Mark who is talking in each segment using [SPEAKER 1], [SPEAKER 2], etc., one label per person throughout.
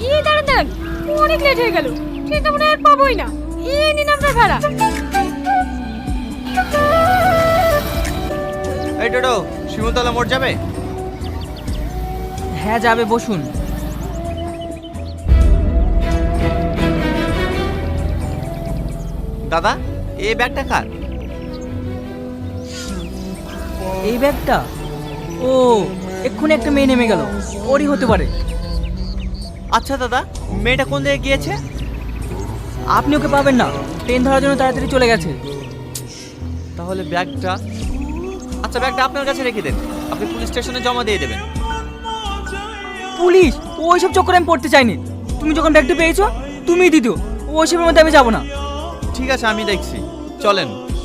[SPEAKER 1] এই দাঁড়ান দাঁড়ান, অনেক লেট হয়ে গেল, ট্রেনটা মনে হয় আর পাবোই না। এই নিন আপনার ভাড়া।
[SPEAKER 2] এই টোটো, শিমুলতলা মোড় যাবে?
[SPEAKER 3] হ্যাঁ যাবে, বসুন।
[SPEAKER 2] দাদা, এই ব্যাগটা কার?
[SPEAKER 3] এই ব্যাগটা? ও, এক্ষুনি একটা মেয়ে নেমে গেল, ওরই হতে পারে।
[SPEAKER 2] আচ্ছা দাদা, মেয়েটা কোন দিকে গিয়েছে?
[SPEAKER 3] আপনি ওকে পাবেন না, ট্রেন ধরার জন্য তাড়াতাড়ি চলে গেছে।
[SPEAKER 2] তাহলে ব্যাগটা, আচ্ছা ব্যাগটা আপনার কাছে রেখে দেন, আপনি পুলিশ স্টেশনে জমা দিয়ে দেবেন।
[SPEAKER 3] পুলিশ? ওইসব চক্করে আমি পড়তে চাইনি। তুমি যখন ব্যাগটা পেয়েছো তুমিই দিত, ওইসবের মধ্যে আমি যাবো না।
[SPEAKER 2] ঠিক আছে, আমি দেখছি, চলেন।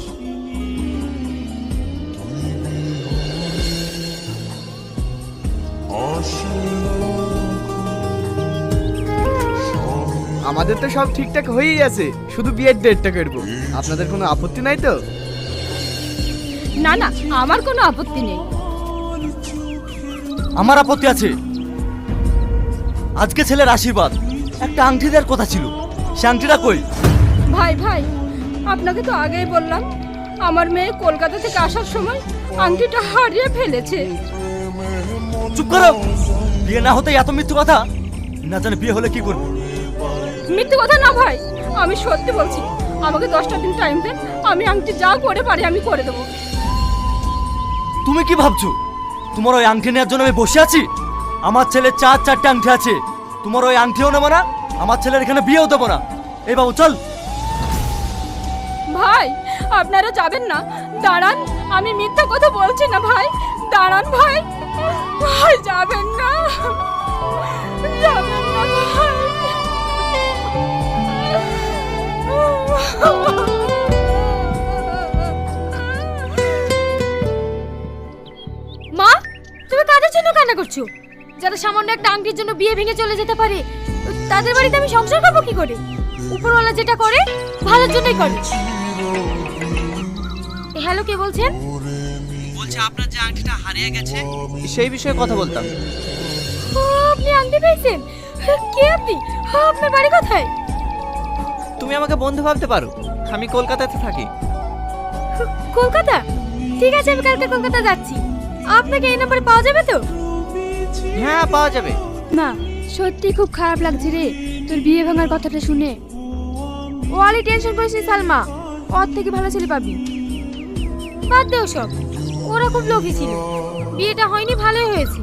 [SPEAKER 4] আমাদের তো সব ঠিকঠাক হয়েই আছে, শুধু বিয়ের ডেটটা করবো। আপনাদের কোনো আপত্তি নাই তো?
[SPEAKER 1] না না, আমার কোনো আপত্তি নেই।
[SPEAKER 5] আমার আপত্তি আছে। আজকে ছেলের আশীর্বাদ, একটা আংটি দেওয়ার কথা ছিল, সে আংটিটা কই?
[SPEAKER 1] ভাই ভাই, আপনাকে তো আগেই বললাম, আমার মেয়ে কলকাতা থেকে আসার সময় আংটিটা হারিয়ে ফেলেছে।
[SPEAKER 5] চুপ করো, বিয়ে না হতে এত মিথ্যে কথা, না জানে বিয়ে হলে কি করবে?
[SPEAKER 1] মিথ্যে কথা না ভাই, আমি সত্যি বলছি। আমাকে 10টা দিন টাইম দেন, আমি আংটি যা করে পারি আমি করে দেবো।
[SPEAKER 5] তুমি কি ভাবছো তোমার ওই আংটি নেওয়ার জন্য আমি বসে আছি? আমার ছেলে 4-4টে আংটি আছে, তোমার ওই আংটিও নেবো না, আমার ছেলের এখানে বিয়েও দেবো না। এই বাবু চল।
[SPEAKER 1] ভাই আপনারা যাবেন না, দাঁড়ান, আমি মিথ্যা কথা বলছি না ভাই, দাঁড়ান ভাই। ভাই যাবেন না, যাবেন না ভাই। মা, তুমি কাদের জন্য কান্না করছো? যারা সামান্য একটা আংটির জন্য বিয়ে ভেঙে চলে যেতে পারে, তাদের বাড়িতে আমি সংসার করবো কি করে? উপরওয়ালা যেটা করে ভালোর জন্যই করে। হ্যালো, কে বলছেন?
[SPEAKER 2] বলছে আপনার যে আংটিটা হারিয়ে গেছে সেই বিষয়ে কথা বলতাম।
[SPEAKER 1] ও, আপনি আংটি পেয়েছেন? কে আপনি? আপনার বাড়ি কোথায়?
[SPEAKER 2] তুমি আমাকে বন্ধু ভাবতে পারো, আমি কলকাতাতে থাকি।
[SPEAKER 1] কলকাতা? ঠিক আছে, আমি কালকে কলকাতা যাচ্ছি। আপনাকে এই নম্বরে পাওয়া যাবে তো?
[SPEAKER 2] হ্যাঁ, পাওয়া যাবে।
[SPEAKER 1] না, সত্যি খুব খারাপ লাগছে রে তোর বিয়ে ভাঙার কথাটা শুনে। ও আলি টেনশন করিস নি সালমা, ওর থেকে ভালো ছেলে পাবি। বাদ দে সব, ওরা খুব লোভী ছিল। বিয়েটা হয়নি, ভালোই হয়েছে।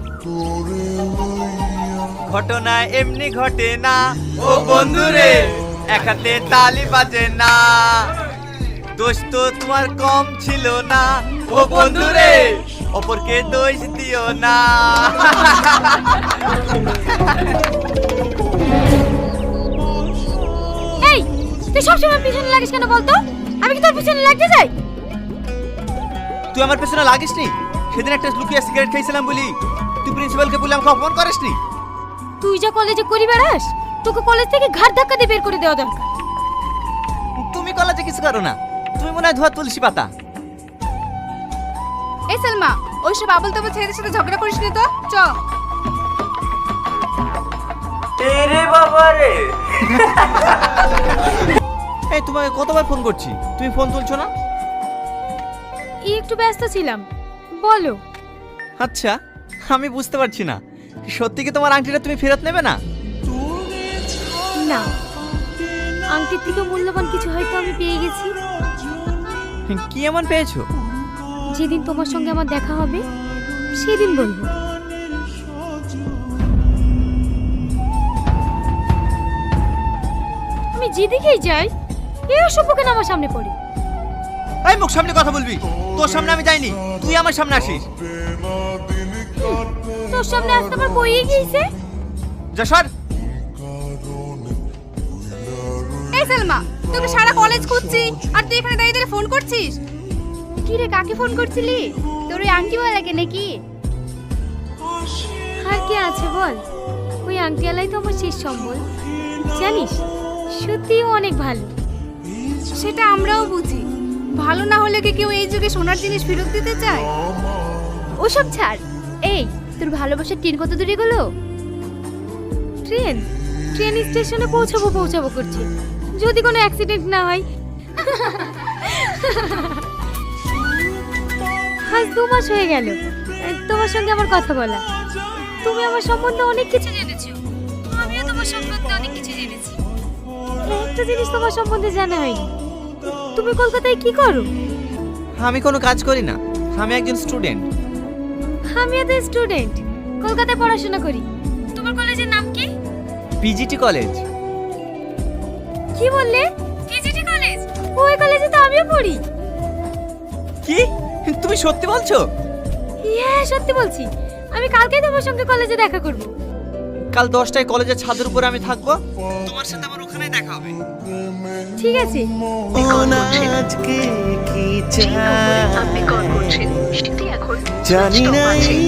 [SPEAKER 2] ঘটনা এমনি ঘটে না ও বন্ধু রে, এক হাতে তালি বাজে না, দোষ তো তোমার কম ছিল না ও বন্ধু রে, অপরকে দোষ দিও না।
[SPEAKER 1] এই, তুই সবসময় পিছনে লাগিস কেন বলতো? আমি কি তোর পিছনে লাগতে যাই?
[SPEAKER 2] তুই আমার পেছনে লাগিসনি? সেদিন একটা লুকিয়ে সিগারেট খেয়েছিলাম বলি তুই প্রিন্সিপালকে বলে আমাকে অপমান করিসনি?
[SPEAKER 1] তুই যা কলেজে করি বেড়াস, তোকে কলেজ থেকে ঘাট ধাক্কা দিয়ে বের করে দেওয়া দরকার।
[SPEAKER 2] তুমি কলেজে কিছু করো না, তুমি মনে হয় ধোয়া তুলসী পাতা।
[SPEAKER 1] এই সালমা, ওইসব আবল তাবল ছেলেদের সাথে ঝগড়া করিস নি তো, চ।
[SPEAKER 2] তেরে বাবা রে। এই তোমাকে কতবার ফোন করছি, তুমি ফোন তুলছো না?
[SPEAKER 1] একটু ব্যস্ত ছিলাম, বলো।
[SPEAKER 2] আচ্ছা, আমি বুঝতে পারছি না, সত্যি কি তোমার আংটিটা তুমি ফেরত নেবে না?
[SPEAKER 1] না, আংটির থেকে মূল্যবান কিছু হয়তো আমি পেয়ে গেছি।
[SPEAKER 2] কি এমন পেয়েছো?
[SPEAKER 1] যেদিন তোমার সঙ্গে আমার দেখা হবে সেদিন বলবো। আমি যেদিকেই যাই এই অসভ্য কেন আমার সামনে পড়ে।
[SPEAKER 2] এই মুখ সামনে কথা বলবি, তোর সামনে আমি যাইনি, তুই আমার সামনে আসিস।
[SPEAKER 1] তোর সামনে আসতে আমার বইয়ে গিয়েছে।
[SPEAKER 2] যা সর।
[SPEAKER 1] এই সালমা, তোকে সারা কলেজ খুঁজছি আর তুই এখানে দাঁড়িয়ে দাঁড়িয়ে ফোন করছিস। কি রে, কাকে ফোন করছিলি? তোর ওই আংটিওয়ালাকে নাকি? আর কে আছে বল, ওই আংটিওয়ালাই তো আমার শেষ সম্বল। জানিস, সত্যিই অনেক ভালো। সেটা আমরাও বুঝি, ভালো না হলে কি কেউ এই যুগে সোনার জিনিস ফেরত দিতে চায়? ওসব ছাড়। এই, তোর ভালোবাসার ট্রেন কত দূরে গেলো? ট্রেন? ট্রেন স্টেশনে পৌঁছাবো করছে, যদি কোনো অ্যাক্সিডেন্ট না হয়। আজ 2 মাস হয়ে গেল তোমার সঙ্গে আমার কথা বলা। তুমি আমার সম্বন্ধে অনেক কিছু জেনেছো, আমিও তোমার সম্বন্ধে অনেক কিছু জেনেছি। একটা জিনিস তোমার সম্বন্ধে জানা হয়নি, তুমি কলকাতায় কি করো?
[SPEAKER 2] আমি কোনো কাজ করি না, আমি একজন স্টুডেন্ট।
[SPEAKER 1] আমিও তো স্টুডেন্ট, কলকাতায় পড়াশোনা করি। তোমার কলেজের নাম কি?
[SPEAKER 2] PGT college.
[SPEAKER 1] কি বললে? PGT college? ওই কলেজে তো আমিও পড়ি।
[SPEAKER 2] কি তুমি সত্যি বলছো?
[SPEAKER 1] হ্যাঁ সত্যি বলছি, আমি কালকেই তোমার সঙ্গে কলেজে দেখা করব।
[SPEAKER 2] কাল 10টায় কলেজের ছাদের উপরে আমি থাকবো, তোমার সাথে আমার ওখানেই দেখা হবে।
[SPEAKER 1] ঠিক আছে।
[SPEAKER 2] জানি না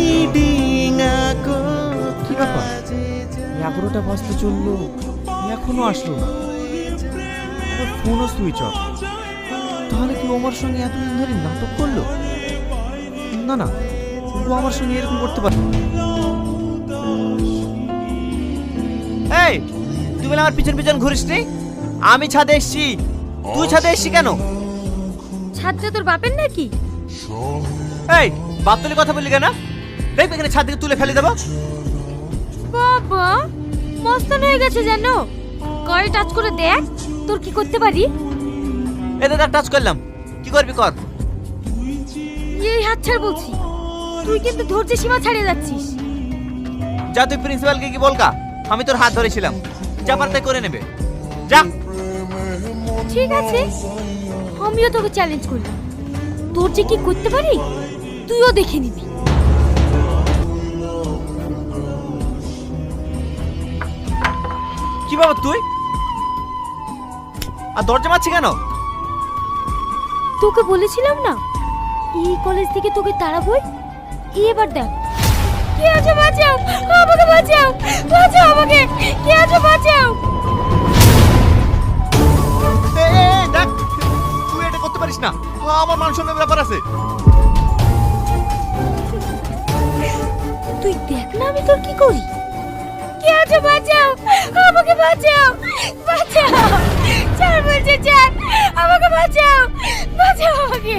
[SPEAKER 4] কি ব্যাপার, 11টা বাজতে চললো, এখনো আসলো না। আমার ফোনও সুইচ অফ। তাহলে কি ও আমার সঙ্গে এতদিন ধরে নাটক করলো? না না, ও আমার সঙ্গে এরকম করতে পারে।
[SPEAKER 2] এই তুই বলে আমার পিছন পিছন ঘুরিস নি? আমি ছাদে এসছি, তুই ছাদে এসছি কেন?
[SPEAKER 1] ছাদটা তোর বাপের নাকি?
[SPEAKER 2] এই বাপ তুলে কথা বললি কেন? দেখ এখানে ছাদ থেকে তুলে ফেলে দেবো।
[SPEAKER 1] বাবা মস্তান হয়ে গেছে জানো, গায়ে টাচ করে দেখ তোর কি করতে পারি।
[SPEAKER 2] এতে তার টাচ করলাম, কি করবি কর।
[SPEAKER 1] এই হাত ছাড় বলছি, তুই কিন্তু ধৈর্যের সীমা ছাড়িয়ে যাচ্ছিস।
[SPEAKER 2] যা তুই প্রিন্সিপালকে কি বলকা, আমি তোর হাত ধরেছিলাম, যা পারতে করে নেবে, যা।
[SPEAKER 1] ঠিক আছে, আমিও তোকে চ্যালেঞ্জ করি, তোর যে কি করতে পারি তুইও দেখে নিবি।
[SPEAKER 2] কি বাবা তুই আর দরজা মারছি কেন?
[SPEAKER 1] তোকে বলেছিলাম না এই কলেজ থেকে তোকে তাড়াবই, এবার দেখ। কে আছে বাঁচাও, আমাকে বাঁচাও, বাঁচাও আমাকে, কে আছে বাঁচাও।
[SPEAKER 2] দেখ তুই এটা করতে পারিস না, আমার মান সম্মানের ব্যাপার আছে।
[SPEAKER 1] তুই দেখ না আমি তোর কি করি। কে আছে বাঁচাও, আমাকে বাঁচাও, বাঁচাও, ছাড় বলছে ছাড়, আমাকে বাঁচাও, বাঁচাও আমাকে।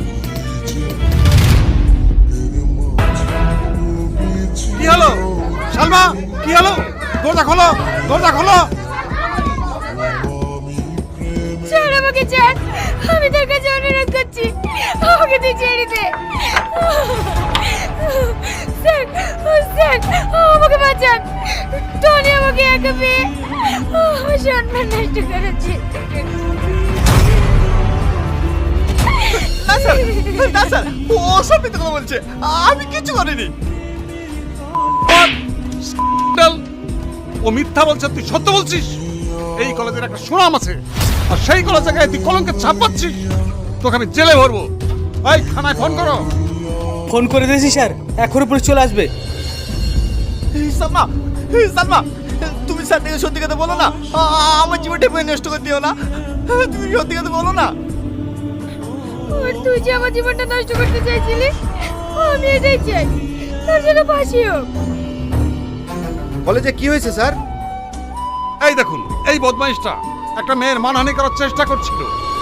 [SPEAKER 6] কি হলো সালমা, কি হলো? দরজা খোলো, দরজা খোলো।
[SPEAKER 1] ছাড় আমাকে, ছাড়, আমি তোর কাছে অনুরোধ করছি, আমাকে তুই ছেড়ে দে। স্যার, স্যার, আমাকে বাঁচান, টনি আমাকে একা পেয়ে আমার সম্মান নষ্ট করেছে।
[SPEAKER 2] না স্যার, না স্যার, ও সব মিথ্যে কথা বলছে, আমি কিছু করিনি।
[SPEAKER 6] ও মিথ্যা বলছে, তুই সত্য বলছিস। এই কলেজের একটা সুনাম আছে, আর সেই কলেজে গায়ে তুই কলঙ্কের ছাপ পাচ্ছিস। তোকে আমি জেলে ভরবো। এই থানায় ফোন করো।
[SPEAKER 7] ফোন করে দিয়েছি স্যার, এখনই পুলিশ চলে আসবে।
[SPEAKER 2] সালমা, সালমা, তুমি স্যার থেকে সত্যি কথা বলো না, আমার জীবনটা নষ্ট করে দিও না, তুমি সত্যি কথা বলো না।
[SPEAKER 1] আর তুই যে আমার জীবনটা নষ্ট করতে চাইছিলি, আমি এটাই চাই, তোর জন্য ফাঁসি হোক।
[SPEAKER 8] কলেজে কি হয়েছে স্যার?
[SPEAKER 6] এই দেখুন, এই বদমাইশটা একটা মেয়ের মানহানি করার চেষ্টা করছিল।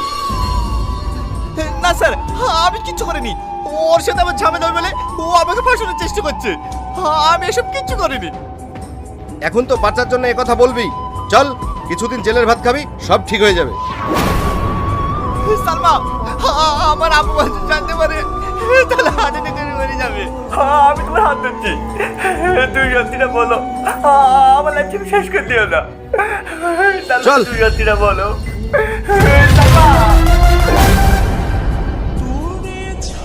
[SPEAKER 2] না স্যার, আমি কিচ্ছু করিনি, ওর সাথে আমার ঝামেলা হবে বলে ও আমাকে ফাঁসানোর চেষ্টা করছে, আমি এসব কিচ্ছু করিনি।
[SPEAKER 8] এখন তো বাচ্চার জন্য কথা বলবি, চল কিছুদিন জেলের ভাত খাবি, সব ঠিক হয়ে যাবে।
[SPEAKER 2] সালমা, আমার আব্বু জানতে পারে তাহলে হাতে নিতে মরে যাবে, আমি তোমার হাত ধরছি, তুই সত্যিটা বলো, আমার লাইফ শেষ করে দিও না।
[SPEAKER 8] চল।
[SPEAKER 2] তুই সত্যিটা বলো।